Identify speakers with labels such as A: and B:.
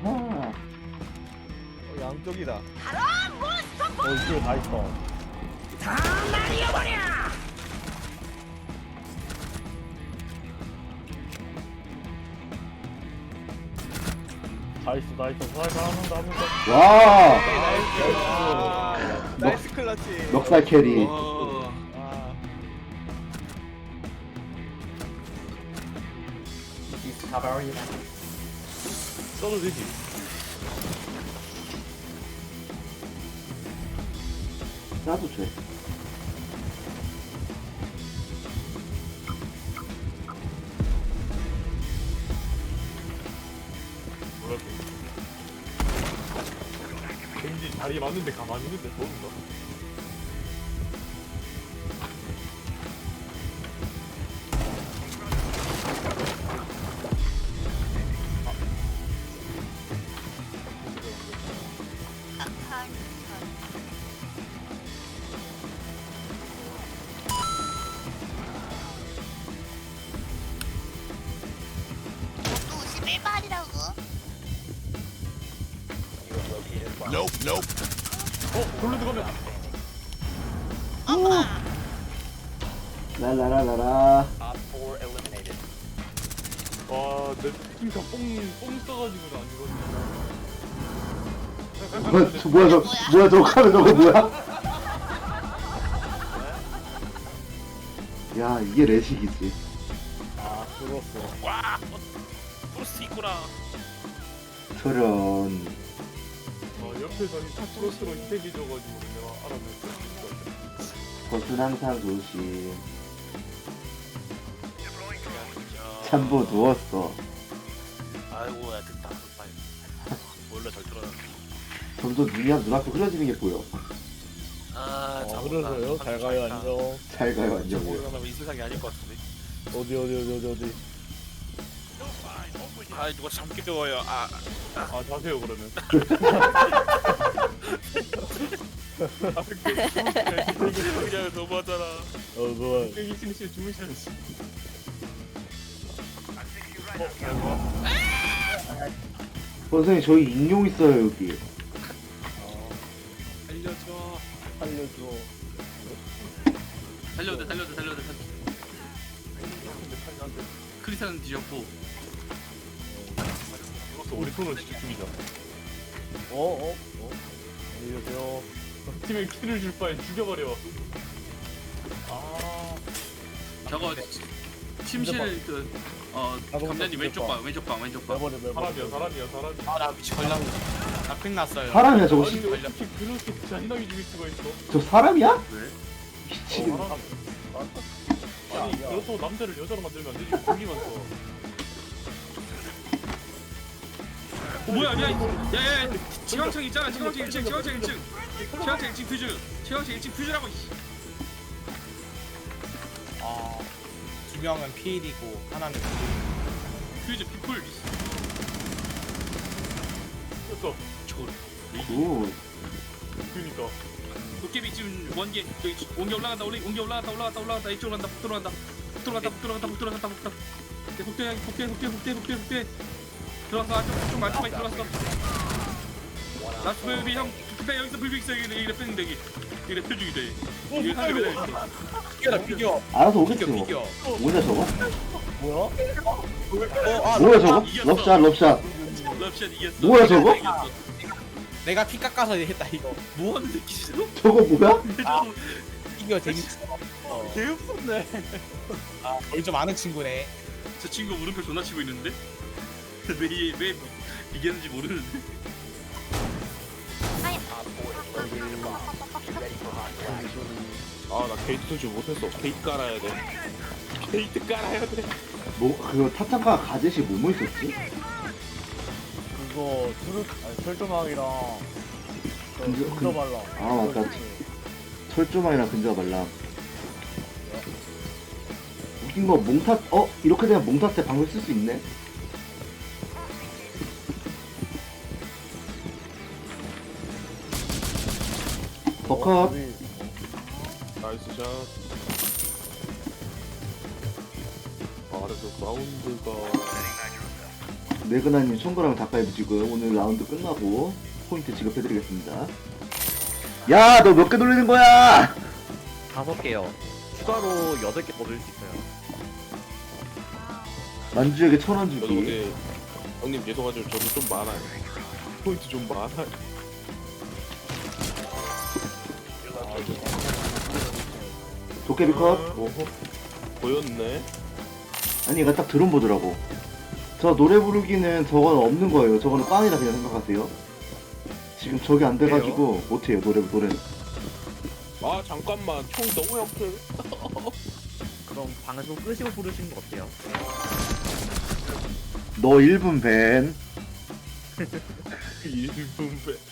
A: 아하.
B: 양쪽이다.
A: 이쪽에 다 있어. 다 있어, 다 있어. 살살 한 번 더.
C: 와
B: 나이스 클러치.
C: 넉살 캐리.
D: 와.
B: 아,
A: 써도 되지.
C: 나도 돼.
A: 몰랐어. 왠지 자리 맞는데 가만히 있는데 좋은가?
E: 또 51발이라고?
A: 골로 들어가면
E: 엄마!
C: 랄라라라라.
A: 와, 내 팀가 뽕 써가지고 안 죽었네.
C: 뭐야 저 카메라 저거 뭐야? 야 이게 레식이지.
A: 아, 죽었어.
D: 와. 프로스트 있구나.
C: 저런.
A: 옆에서 이 타크로스로 흰색이 줘가지고 내가 알아냈어.
C: 버튼 항상 조심.
D: 야.
C: 참보 누웠어.
D: 아이고 야 됐다. 빨리. 몰라 잘 들어.
C: 점점 눈앞에 흐려지는 게 보여.
D: 아
A: 그러세요? 잘 가요, 안녕.
C: 잘 가요
D: 저
C: 안녕히.
D: 모르면 이 세상이 아닐 것 같은데.
A: 어디.
D: 아 누가 잠기 뜨거워요. 아.
A: 아, 자세요, 그러면. 아,
D: 그냥 너무하잖아.
A: 그거. 여기 심심 주무셔야지.
C: 선생님 저희 익룡 있어요 여기.
D: 알려줘.
A: 살려줘.
D: 살려도 크리스는 뒤졌고.
A: 이것도 우리 손으로 직접 죽이자. 안녕히 계세요. 팀에 키를 줄 바에 죽여버려. 아,
D: 저거 침실 감자님 왼쪽 방.
A: 사람이야.
F: 아나 미치 걸렸네. 나핑 났어요.
C: 사람이야 저거.
A: 아니, 어떻게 그렇게 잔인하게 죽일 수가 있어?
C: 저 사람이야?
D: 왜?
C: 미치겠네.
A: 사람. 아니, 그렇다고 남자를 여자로 만들면 안 되지. 고기만 써.
D: 뭐야? 야야야. 지광창 있잖아. 지광창 1층 퓨즈라고.
F: 두 명은 피일이고 하나는
D: 퓨즈 피플.
A: 됐어.
D: 저걸.
C: 굿.
A: 그니까.
D: 도깨비 지금 원개 저기 원개 올라간다. 이쪽으로 간다. 북돌아간다. 복대. 들어왔어. 좀 많이 들어왔어. 라스트 베이비 형. 그때 여기서 불빛 있어. 이래 뺐는 데기. 이래 펴주기 돼. 이게 상대 매달 있어.
F: 피겨라 피겨.
C: 알아서 오겠지 뭐.
F: 피겨.
C: 뭐냐 저거?
A: 뭐야?
C: 뭐야 저거?
D: 이겼어.
C: 럽샷.
D: 럽샷 이겼어.
C: 뭐야, 저거?
D: 이겼어.
F: 내가 피 깎아서 했다 이거.
D: 뭐 하는 새끼지?
C: 저거 뭐야?
F: 피겨 재밌어.
A: 개없었네.
F: 좀 아는 친구네.
D: 저 친구 물음표 존나 치고 있는데? 왜 이겼는지 모르는데?
B: 아, 나 게이트 설치 못했어. 게이트 깔아야 돼. 게이트 깔아야 돼.
C: 뭐 그거 타창가 가젯이 뭐뭐 있었지?
A: 그거 철조망이랑 근저 발라.
C: 아, 맞다. 철조망이랑 근저가 말라. 웃긴 거 몽타 이렇게 되면 몽타 때 방금 쓸 수 있네. 버컵.
B: 나이스 샷. 아, 그래서 사운드가
C: 네그나님 총거랑 닭갈비 지금 오늘 라운드 끝나고 포인트 지급해드리겠습니다. 야, 너 몇 개 돌리는 거야?
G: 5개요. 추가로 8개 더 넣을 수 있어요.
C: 만주에게 1000원
B: 저도
C: 주기.
B: 근데 형님 죄송하지만 저도 좀 많아요. 포인트 좀 많아요.
C: 도깨비 컷.
B: 오호. 보였네.
C: 아니, 얘가 딱 드론 보더라고. 저 노래 부르기는 저거는 없는 거예요. 저거는 꽝이라 그냥 생각하세요. 지금 저게 안 돼가지고 못해요, 노래는.
B: 아 잠깐만 총 너무 약해.
G: 그럼 방송 끄시고 부르시는 거 어때요?
C: 너 1분 밴.
B: 1분 배.